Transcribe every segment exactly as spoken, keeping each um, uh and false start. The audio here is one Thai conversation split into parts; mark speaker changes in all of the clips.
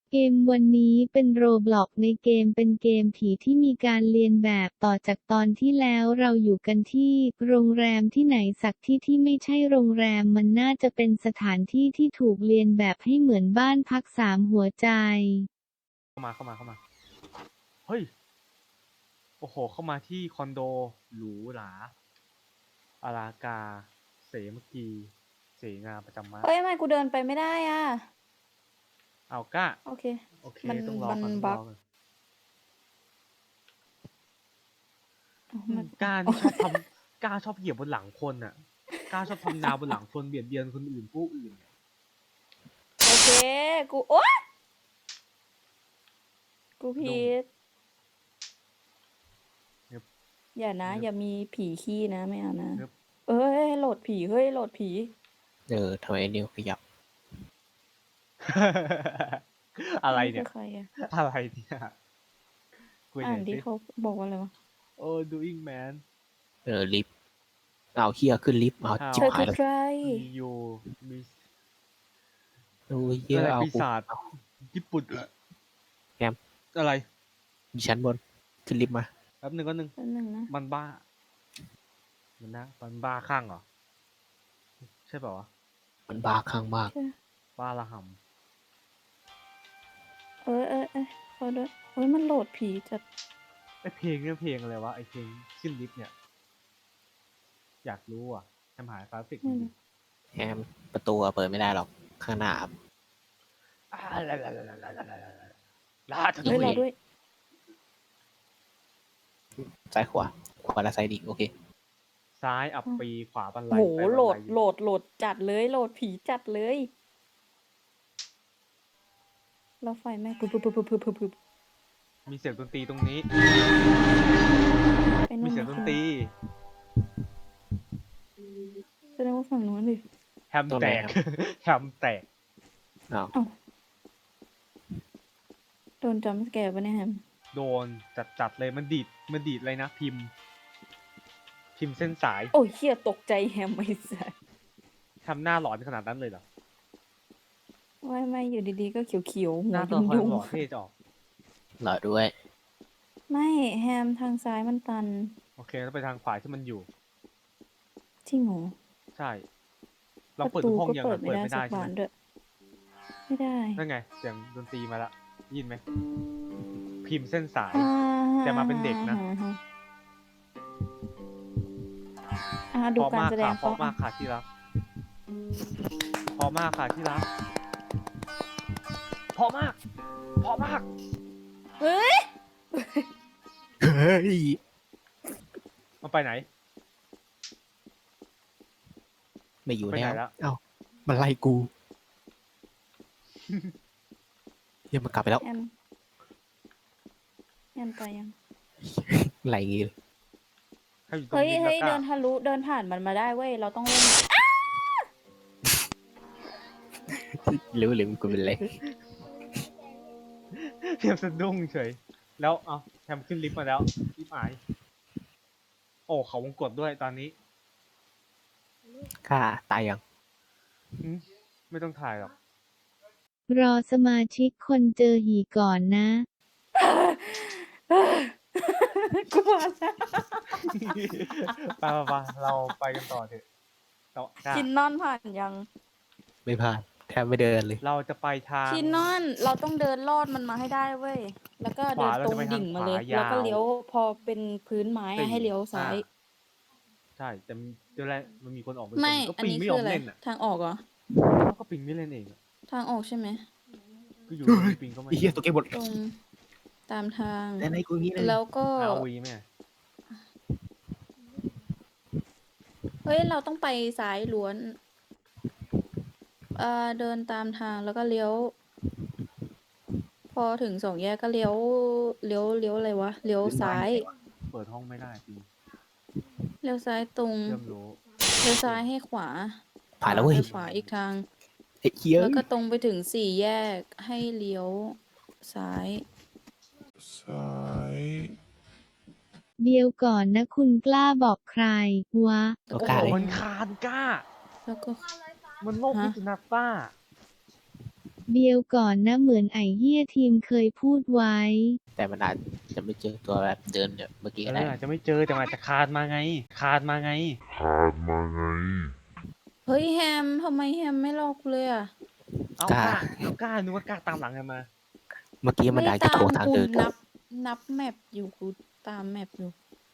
Speaker 1: เกมวันนี้เป็นโรบล็อกในเกมเป็นเกมผีที่มีการเลียนแบบต่อจากตอนที่แล้วเราอยู่กันที่โรงแรมที่ไหนสักที่ที่ไม่ใช่โรงแรมมันน่าจะเป็นสถานที่ที่ถูกเลียนแบบให้เหมือนบ้านพักสามหัวใจ
Speaker 2: เข้ามาเข้ามาเข้ามาเฮ้ยโอ้โหเข้ามาที่คอนโดหรูหราอลากาเสมกีเสงาประจำมา
Speaker 3: เอ้ยทำไมกูเดินไปไม่ได้อ่ะ
Speaker 2: เอาก้า
Speaker 3: โอเค
Speaker 2: โอเค
Speaker 3: มัน
Speaker 2: ต้องรอ
Speaker 3: มัน
Speaker 2: ก่อนต้อง
Speaker 3: บั๊
Speaker 2: รอก ก่อน
Speaker 3: อ๋อ
Speaker 2: อื
Speaker 3: มั
Speaker 2: ม
Speaker 3: น
Speaker 2: ก้านี่ชอบทำก้าชอบเหยียบบนหลังคนอ่ะก้าชอบทำนาบนหลังคนเบียดเบียนคนอื่นผู้อื่น
Speaker 3: โอเคกูโอ๊ยกูผิ
Speaker 2: ดง
Speaker 3: ดอย่านะ อย่ามีผีขี้นะไม่เอานะ
Speaker 2: เนิบ
Speaker 3: เอ้ยโหลดผีเฮ้ยโหลดผี
Speaker 4: เออทำไมไอ้นิวขยับ
Speaker 2: อะไรเนี่ย
Speaker 3: คือใครอ่ะ
Speaker 2: อะไรเนี่ยคุยห
Speaker 3: อ่า
Speaker 2: น่
Speaker 3: น
Speaker 2: อย
Speaker 3: ที่
Speaker 2: สิ
Speaker 3: เขาบอกว่าอะไรวะ
Speaker 2: โอ้ doing man
Speaker 4: เออลิฟต์เอาเฮียขึ้นลิฟต์เอา
Speaker 2: How
Speaker 4: จิบ
Speaker 3: เธอ
Speaker 4: หา
Speaker 3: คื
Speaker 4: ย
Speaker 3: อ
Speaker 4: แล้ว
Speaker 3: ใคร
Speaker 2: you miss
Speaker 4: โอ้ยเฮีย
Speaker 2: อะไร
Speaker 4: เอา
Speaker 2: ปี
Speaker 4: กู
Speaker 2: ศาจ
Speaker 4: เอา
Speaker 2: ญี่ปุ่นเหรอ
Speaker 4: แกม
Speaker 2: อะไร
Speaker 4: อยู่ชั้นบนขึ้นลิฟต์มา
Speaker 2: แป๊บหนึ่งก็หนึ่ง
Speaker 3: แป๊บนึงนะ
Speaker 2: มันบ้า มันนะมันบ้าข้างเหรอ ใช่เปล่าวะ
Speaker 4: มันบาข้างมาก
Speaker 3: ใช่
Speaker 2: บ้าระห
Speaker 3: เอ้ยเอ้ยเอ้ยขอด้วยเฮ้ยมันโหลดผีจัด
Speaker 2: ำไอเพลงเนี่ยเพลงอะไรวะไอเพลงขึ้นลิฟต์เนี่ย อยากรู้อ่ะแอมหายกราฟิกมันอยู่
Speaker 4: แฮมประตูอะเปิดไม่ได้หรอกข้างหน้าครับ
Speaker 2: อ่าลาลาลาลาลาลาลาลาลา
Speaker 3: เฮ้ยรอด้วย
Speaker 4: ซ้ายขวาขวาและซ้ายดีโอเค
Speaker 2: ซ้ายอับปีขวาบันไล
Speaker 3: โห
Speaker 2: ไปบัน
Speaker 3: โหล
Speaker 2: ไล
Speaker 3: ดโหลดโหลดจัดเลยโหลดผีจัดเลยแล้วไฟแม่งพึบพึบพึบพึบพึบพึบพึบ
Speaker 2: มีเสียงดนตรีตรงนี้
Speaker 3: ไป
Speaker 2: มี
Speaker 3: นู่น
Speaker 2: เสียงดนตรี
Speaker 3: แสดงว่าฝั่งนู้นดิ
Speaker 2: แฮมแตก แฮมแตก
Speaker 4: อ้าว
Speaker 3: โดนจัมป์สแกร์ปะเนี่ยแฮม
Speaker 2: โดนจัดจัดเลยมันดีดมันดีดเลยนะพิมพ์ พิมพ์เส้นสาย
Speaker 3: โอ้ยเฮียตกใจแฮมไอ้สัส
Speaker 2: ทำหน้าหลอนขนาดนั้นเลยเหรอ
Speaker 3: ไม่ไม่อยู่ดีๆก็เขียวๆหั
Speaker 2: ห
Speaker 3: ว
Speaker 2: น้าตัว
Speaker 3: ยุ่ง
Speaker 2: ละคร
Speaker 3: ยุ่ง
Speaker 2: หล่อเท่จะออก
Speaker 4: หล่อด้วย
Speaker 3: ไม่แฮมทางซ้ายมันตัน
Speaker 2: โอเคแล้วไปทางขวาที่มันอยู่
Speaker 3: จริงเหรอ
Speaker 2: ใช่เรา
Speaker 3: ประ
Speaker 2: เปิด
Speaker 3: ตู
Speaker 2: ทุกห้อง
Speaker 3: ก็
Speaker 2: ยัง
Speaker 3: เปิ
Speaker 2: อะ
Speaker 3: ดไม่
Speaker 2: เปิด
Speaker 3: ได้
Speaker 2: ไม่
Speaker 3: สั
Speaker 2: ได้
Speaker 3: ก
Speaker 2: ใช่
Speaker 3: บา
Speaker 2: ไหม
Speaker 3: นด้วยไม่ได้
Speaker 2: นั่นไงเสียงดนตรีมาละยินไหมพิมพ์เส้นสาย
Speaker 3: อ่า
Speaker 2: แต่มาเป็นเด็กนะ
Speaker 3: อ่าฮะอ่าดู
Speaker 2: เพราะ
Speaker 3: การ
Speaker 2: มาก
Speaker 3: แสด
Speaker 2: ค่ะ
Speaker 3: ง
Speaker 2: เพราะมากค่ะที่รักเพราะมากค่ะที่รักเพราะมากเพราะมาก
Speaker 3: เฮ้ย
Speaker 4: เฮ้ย
Speaker 2: มันไปไหน
Speaker 4: ไม่อยู่
Speaker 2: ไปไหน
Speaker 4: แล้ว
Speaker 2: ละ
Speaker 4: เอ้ามันไล่กูเฮียมันกลับไปแล้ว
Speaker 3: แฮมแฮมไปยัง
Speaker 4: ไล่งี้เลย
Speaker 2: ให้อยู่ตรง
Speaker 3: เฮ้ย
Speaker 2: นี้
Speaker 3: เฮ้ย
Speaker 2: แล้วก็
Speaker 3: เดินทะลุเดินผ่านมันมาได้เว้ยเราต้องเล่น
Speaker 4: หรือหรือกูเป็นไร
Speaker 2: เพียงสะดุ้งเฉย แล้วเอาแทมขึ้นลิฟต์มาแล้วลิฟต์หาย โอ้เขาวงกดด้วยตอนนี้
Speaker 4: ข้าตายยัง
Speaker 2: อืมไม่ต้องถ่ายหรอก
Speaker 1: รอสมาชิกคนเจอหีก่อนนะ
Speaker 3: กูมาแล้ว
Speaker 2: ไปไปไปเราไปกันต่อเถอะเรา
Speaker 3: ชินนอนผ่านยัง
Speaker 4: ไม่ผ่านแทบไม่เดินเลย
Speaker 2: เราจะไปทาง
Speaker 3: ชินนอนเราต้องเดินลอดมันมาให้ได้เว้ยแล้วก็เดิน
Speaker 2: ขวาเรา
Speaker 3: ตร
Speaker 2: จะ
Speaker 3: ง
Speaker 2: ไปทาง
Speaker 3: ดิ่งมาเลย
Speaker 2: ขวายาว
Speaker 3: แล้วก็เลี้ยวพอเป็นพื้นไม้
Speaker 2: สี่
Speaker 3: อะให้เลี้ยวซ้าย
Speaker 2: อ่ใช่แต่เดี๋ยวแรกมันมีคนออกป
Speaker 3: ไม่
Speaker 2: ก็
Speaker 3: อัน
Speaker 2: ปิง
Speaker 3: นี้
Speaker 2: ไม่ย
Speaker 3: คือ
Speaker 2: อม
Speaker 3: อะไร
Speaker 2: เล่นอ่ะ
Speaker 3: ทางออกเหรอ
Speaker 2: แล้วก็ปิงไม่เล่นเองอะ
Speaker 3: ทางออกใช่ไหม
Speaker 2: ก็อยู่
Speaker 4: เฮ้ย
Speaker 2: ปิงก็ไม่
Speaker 4: ไอ้เฮียตัวเกมหมด
Speaker 3: ตรงตามทาง
Speaker 4: แต่ในกูอย่างนี้เลย
Speaker 3: แล้วก็
Speaker 2: เอาวีไหม
Speaker 3: เฮ้ยเราต้องไปซ้ายล้วนเอ่อเดินตามทางแล้วก็เลี้ยว พอถึงสองแยกก็เลี้ยวเลี้ยวเลี้ยวอะไรวะเลี้ยวซ้าย
Speaker 2: เปิดห้องไม่ได้ปิง
Speaker 3: เลี้ยวซ้ายตรง
Speaker 2: เริ่มรู้
Speaker 3: เลี้ยวซ้ายให้ขวา
Speaker 4: ผ่านแล้วเว้ย
Speaker 3: ไปขวาอีกทาง
Speaker 4: ไอ้เฮีย
Speaker 3: แล้วก็ตรงไปถึงสี่แยกให้เลี้ยวซ้าย
Speaker 5: ซ้าย
Speaker 1: เดียวก่อนนะคุณกล้าบอกใครวะ
Speaker 4: ตัว
Speaker 2: โอ้
Speaker 4: กล้า
Speaker 2: โห
Speaker 4: เลย
Speaker 2: มันคานกล้า
Speaker 3: แล้วก็
Speaker 2: มันโลก
Speaker 3: ฮะ
Speaker 2: พิษณุกล้า
Speaker 1: เบียวก่อนนะเหมือนไอ้เหี้ยทีมเคยพูดไว้
Speaker 4: แต่มันอาจจะไม่เจอตัวแบบเดินเนี่ยเมื่อกี้
Speaker 2: เอ
Speaker 4: ก็ได้
Speaker 2: ออาจจะไม่เจอแต่มันอาจจะคานมาไง คานมาไง
Speaker 3: เฮ้ยแฮมทำไมแฮมไม่รอกูเลยอ่ะ
Speaker 2: เอา
Speaker 4: กล้า
Speaker 2: กล้าเอากล้านึกว่ากล้าตามหลังกันมา
Speaker 4: เมื่อกี้มันอาจจะโทรทาง
Speaker 3: กู
Speaker 4: เดิน
Speaker 3: นับนับแมปอยู่กูตามแมปอยู่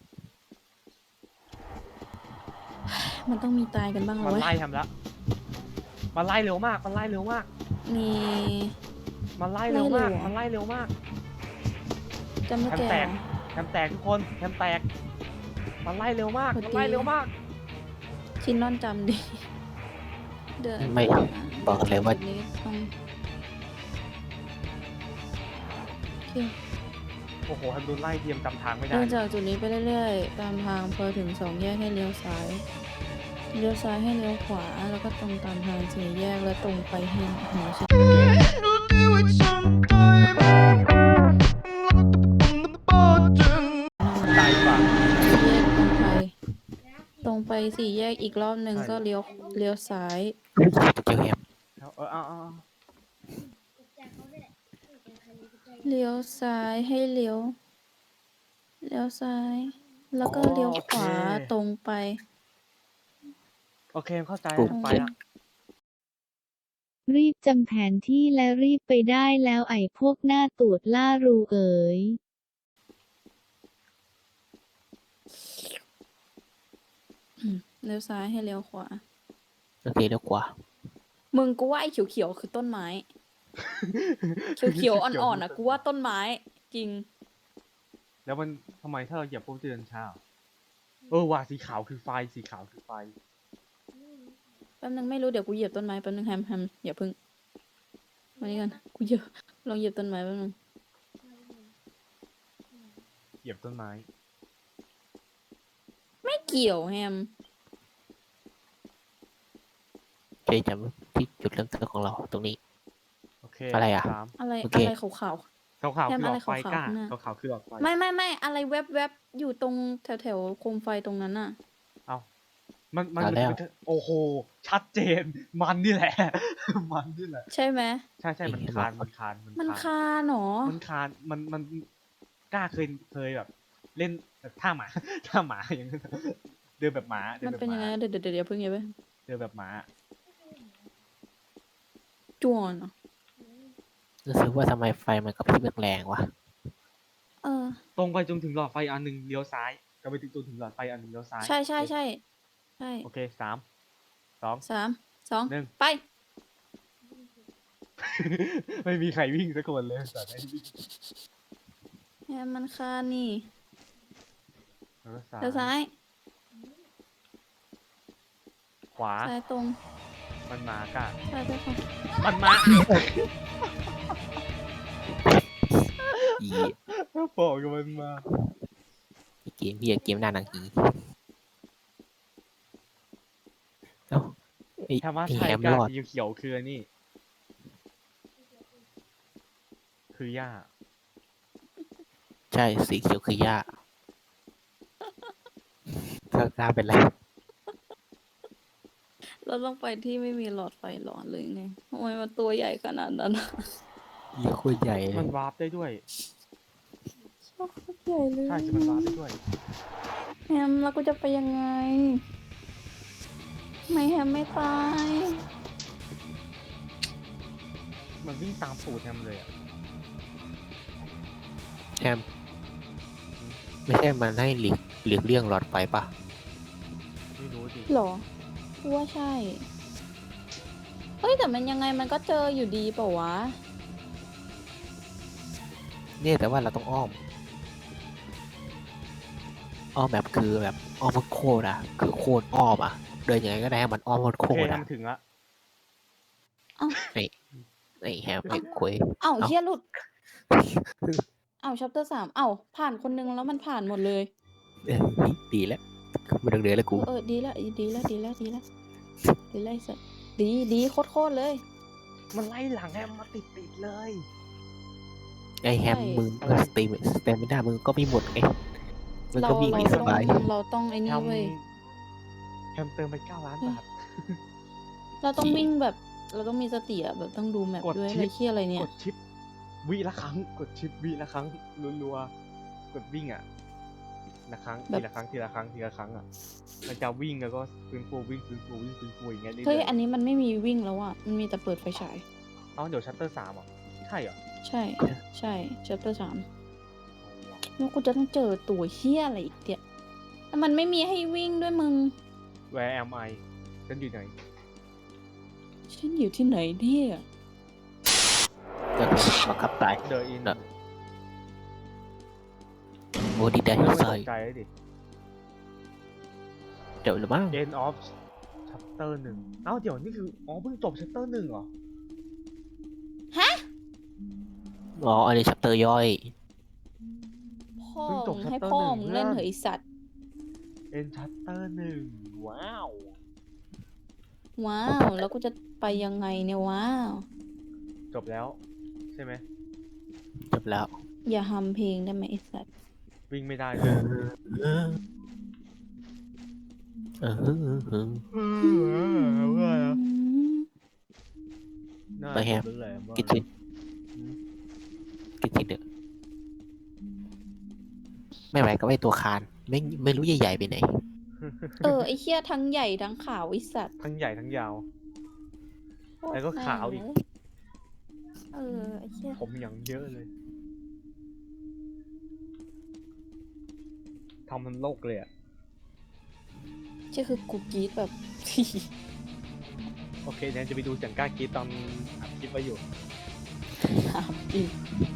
Speaker 3: มันต้องมีตายกันบ้าง
Speaker 2: มัน
Speaker 3: แล้วเว้
Speaker 2: ไล่
Speaker 3: ย
Speaker 2: ทำแล้วมันไล่เร็วมาก มันไล่เร็วมาก
Speaker 3: นี่
Speaker 2: มันไล่เร็วมาก
Speaker 3: ไล่เร็วเหรอ
Speaker 2: มันไล่เร็วมาก
Speaker 3: จำไม่
Speaker 2: แฮม
Speaker 3: แก่
Speaker 2: แตก แฮมแตกทุกคนแฮมแตก มันไล่เร็วมาก มันไล่เร็วมาก
Speaker 3: ชินนอนจำดิ เดิน
Speaker 4: ไม่บอกเลยว่า
Speaker 3: จุดนี้ต้องโอเค
Speaker 2: โอ้โหแฮมโดนไล่เทียมจำทางไม่ได้
Speaker 3: เดินจากจุดนี้ไปเรื่อยๆ ตามทางพอถึงสองแยกให้เลี้ยวซ้าย เลี้ยวซ้ายให้เลี้ยวขวา แล้วก็ตรงตามทางสี่แยกแล้วตรงไปให้หัวชิด
Speaker 2: ไกลกว่า
Speaker 3: แยกตรงไป ตรงไปสี่แยกอีกรอบหนึ่ง
Speaker 2: ใช่
Speaker 3: ก็เลี้ยวเลี้ยวซ้าย
Speaker 4: เจอแฮม
Speaker 2: เอาเออเอาเอาเอา
Speaker 3: เลี้ยวซ้ายให้เลี้ยว เลี้ยวซ้าย แล้วก็เลี้ยวขวาตรงไป
Speaker 2: โอเคเข้าใจ
Speaker 3: โอ
Speaker 2: แล้ว
Speaker 3: เค
Speaker 2: ไปละ
Speaker 1: รีบจำแผนที่และรีบไปได้แล้วไอ้พวกหน้าตูดล่ารูเอ๋ย
Speaker 3: อืมเลี้ยวซ้ายให้เลี้ยวขวา
Speaker 4: โอเคเดี๋ยวกว่า
Speaker 3: มึงกูว่าไอ้เขียวๆคือต้นไม้ เขียวๆอ่อนๆอ่ะกูว่าต้นไม้ จริง
Speaker 2: แล้วมันทำไมถ้าเราเหยียบปุ๊บจะเดินช้าเหรอเออว่าสีขาวคือไฟ สีขาวคือไฟ
Speaker 3: แป๊บนึงไม่รู้เดี๋ยวกูเหยียบต้นไม้แป๊บนึงแฮมแฮมอย่าพึ่งมานี่กันกูเหยียบลองเหยียบต้นไม้แป๊บนึง
Speaker 2: เหยียบต้นไม้
Speaker 3: ไม่เกี่ยวแฮม
Speaker 4: เคจำที่จุดเริ่มต้นของเราตรงนี้
Speaker 2: โอเค
Speaker 4: อะไรอะ
Speaker 2: สาม
Speaker 3: อะไร
Speaker 4: โอเค
Speaker 3: อะไรขาว
Speaker 2: ขาวขาวๆ
Speaker 3: แฮม
Speaker 2: คือหลอดไฟ
Speaker 3: อะไรขาวๆ
Speaker 2: กล้า
Speaker 3: ข้างหน้า
Speaker 2: ขาวขาวๆคือหลอดไฟ
Speaker 3: ๆไม่ไม่ไม่อะไรแวบแวบๆอยู่ตรงแถวแถวๆโคมไฟตรงนั้นน่ะ
Speaker 2: เอามันมัน
Speaker 4: เอาแล้ว
Speaker 2: มันโอ้โห ชัดเจน มันนี่แหละ มันนี่แหละ
Speaker 3: ใช่ไหม
Speaker 2: ใช่ใช่มันคาน มันคาน มัน
Speaker 3: มัน
Speaker 2: คาน
Speaker 3: คานเหรอ
Speaker 2: มันคาน มันมันกล้าเคยเคยแบบ เล่นแบบท่าหมา ท่าหมาอย่างนั้นเดินแบบหมาเดิน
Speaker 3: มัน
Speaker 2: แบบ
Speaker 3: เป็น
Speaker 2: ห
Speaker 3: ยัง
Speaker 2: มา
Speaker 3: ไงเดี๋ยวเดี๋ยวเดี๋ยวเพิ่งอย่าไป
Speaker 2: เดินแบบหมา
Speaker 3: จวนเหรอ
Speaker 4: รู้สึกว่าทำไมไฟมันกระพริบแรงๆวะ
Speaker 3: เออ
Speaker 2: ตรงไปจนถึงหลอดไฟอันหนึ่งเลี้ยวซ้ายก็ไปถึงจนถึงหลอดไฟอันหนึ่งเลี้ยวซ้าย
Speaker 3: ใช่ใช่ใช่ใช่
Speaker 2: โอเคสามสอง
Speaker 3: สามสอง
Speaker 2: หนึ่ง
Speaker 3: ไป
Speaker 2: ไม่มีใครวิ่งสักคนเลยแต่ได้วิ่ง
Speaker 3: แฮมมันคานนี่
Speaker 2: แล้วก็ซ้าย
Speaker 3: เลี้ยวซ้าย
Speaker 2: ขวา
Speaker 3: ซ้ายตรง
Speaker 2: มันมากะ
Speaker 3: ซ้ายไปขวา
Speaker 2: มันมา
Speaker 4: อี
Speaker 2: บอกกับมันมา
Speaker 4: อีเกมพี่อะเกมหน้าหนังอีเอ้าไอ้
Speaker 2: ถ้าว่า
Speaker 4: ไอ้
Speaker 2: ไท
Speaker 4: แฮ
Speaker 2: ย
Speaker 4: ม
Speaker 2: กะ
Speaker 4: รอด
Speaker 2: สีเขียวๆคืออันนี่ คือหญ้า
Speaker 4: ใช่สีเขียวคือหญ้าถ้ากล้าเป็นไร
Speaker 3: เราต้องไปที่ไม่มีหลอดไฟหลอนเลยไงทำไมมันตัวใหญ่ขนาดนั้นอะ
Speaker 4: ยี่โคตรใหญ่เล
Speaker 2: มั
Speaker 4: ย
Speaker 2: นวาร์ปได้ด้วย
Speaker 3: โคตรใหญ่เลย
Speaker 2: ใช่คือมันวาร์ปได้ด้วย
Speaker 3: แฮมแล้วกูจะไปยังไงทำไม่แฮมไม่ตาย
Speaker 2: มันวิ่งตามสูตรแฮมเลยอ่ะ
Speaker 4: แฮมไม่ใช่มันให้หลีกหลีกเลี่ยงหลอดไฟปะ
Speaker 2: ไม่รู้ดิ
Speaker 3: หรอกูว่าใช่ เฮ้ยแต่มันยังไงมันก็เจออยู่ดีเปล่าวะ
Speaker 4: เนี่ยแต่ว่าเราต้องอ้อม อ้อมแบบคือแบบอ้อมโคตรอะคือโคตรอ้อมอะเดินยังไงก็ได้ให้มันอ้อมโค
Speaker 2: โอ
Speaker 4: ต
Speaker 2: เค
Speaker 4: ร
Speaker 2: ทำ
Speaker 4: อะ
Speaker 2: ถึงละ
Speaker 4: ไอ้ไอ้แฮมไอ้คุย
Speaker 3: เอ้า
Speaker 4: เอ้า
Speaker 3: เฮียหลุด เอ้าชัปเตอร์สามเอ้าผ่านคนนึงแล้วมันผ่านหมดเลย
Speaker 4: เออดีแล้วไม่ต้องเดินแล้วกู
Speaker 3: เออดีละดีละดีละดีละดีละไอ้สัสดีดีโคตรโคตรเลย
Speaker 2: มันไล่หลังแฮมมาติดติดๆเลย
Speaker 4: ไอ้แฮม
Speaker 3: ใช่
Speaker 4: มึงก็สตรีมสเตมิน่ามึงก็ไม่หมดไงมึง
Speaker 3: เรา
Speaker 4: ก็วิ่ง
Speaker 3: เรา
Speaker 4: ไม่ส
Speaker 3: ต้อง
Speaker 4: บาย
Speaker 3: เราต้องไอ้
Speaker 2: แฮ
Speaker 3: นี่
Speaker 2: ม
Speaker 3: เว้ย
Speaker 2: แฮมเติมไปเก้าล้านบาท
Speaker 3: เราต้องวิ่งแบบเราต้องมีสติอะแบบต้องดูแมป
Speaker 2: กด
Speaker 3: ด้วย
Speaker 2: ชิป
Speaker 3: อะไรเคียอะไรเนี่
Speaker 2: ก
Speaker 3: ย
Speaker 2: ดชิปวิละครั้ง กดชิปวิละครั้งรัวๆกดวิ่งอ่ะละครั้ง
Speaker 3: แบบ
Speaker 2: ทีละครั้งทีละครั้งทีละครั้งอ่ะมันจะวิ่งแล้วก็ฟื้นฟูวิ่งฟื้นฟูวิ่งฟื้นฟูอย่างเงี้ยเรื่
Speaker 3: เฮ้ย
Speaker 2: อย
Speaker 3: อันนี้มันไม่มีวิ่งแล้วอะมันมีแต่เปิดไฟฉาย
Speaker 2: ๆเอาเดี๋ยวชัตเตอร์สามอ่ะใช่เหรอ
Speaker 3: ใช่ ใช่ chapter สาม
Speaker 2: เอาวะ
Speaker 3: แล้วกูจะต้องเจอตัวเฮี้ยอะไรอีกเนี่ยแล้วมันไม่มีให้วิ่งด้วยมึง
Speaker 2: Where am I ฉันอยู่ไหน
Speaker 3: ฉันอยู่ที่ไหนเนี่ย
Speaker 4: เดี๋ยวบังคับตาย
Speaker 2: The in
Speaker 4: น่ะ โอ้ดีได้
Speaker 2: ไม่ต้อง
Speaker 4: ใส่
Speaker 2: ตกใจเลยดิ
Speaker 4: เดี๋ยวหรือมั้ง
Speaker 2: End of chapter หนึ่งเอ้าเดี๋ยวนี่คืออ๋อเพิ่งจบ chapter หนึ่งเหรอ
Speaker 4: อ๋ออันนี้ชัปเตอร์ย่อย
Speaker 3: พ่อ
Speaker 2: เพิ่งจบ
Speaker 3: มึงให้
Speaker 2: chapter
Speaker 3: พ่อ
Speaker 2: หนึ่ง
Speaker 3: มึงเล่น
Speaker 2: เพื่อน
Speaker 3: เหอะไอสัตว์
Speaker 2: End chapter หนึ่งว้าว
Speaker 3: ว้าว แล้วกูจะไปยังไงเนี่ยว้าว
Speaker 2: จบแล้วใช่ไหม
Speaker 4: จบแล้ว
Speaker 3: อย่าฮัมเพลงได้ไหมไอสัตว์
Speaker 2: วิ่งไม่ได้
Speaker 4: เอ
Speaker 2: ด้วย
Speaker 4: อเออเออเออ
Speaker 2: น่า
Speaker 4: ไปแฮม
Speaker 2: จะเลยว่า
Speaker 4: กินชิ้นกินชิ้นเด้อไม่ไหวก็ไอตัวคานไม่ไม่รู้ใหญ่ๆไปไหน
Speaker 3: เออไอเคี้ยทั้งใหญ่ทั้งขาวไอสัตว์
Speaker 2: ทั้งใหญ่ทั้งยาว แล้วก็ขาวอีก
Speaker 3: เออไอเคี้ย
Speaker 2: ผมอย่างเยอะเลยทำมันโลกเลยอ่ะ
Speaker 3: เชี่ยคือกูกรีดแบบ
Speaker 2: โอเคเนี่ยจะไปดูจังก้ากรีดตอนอัดคลิปไว้อยู่
Speaker 3: ถามจริง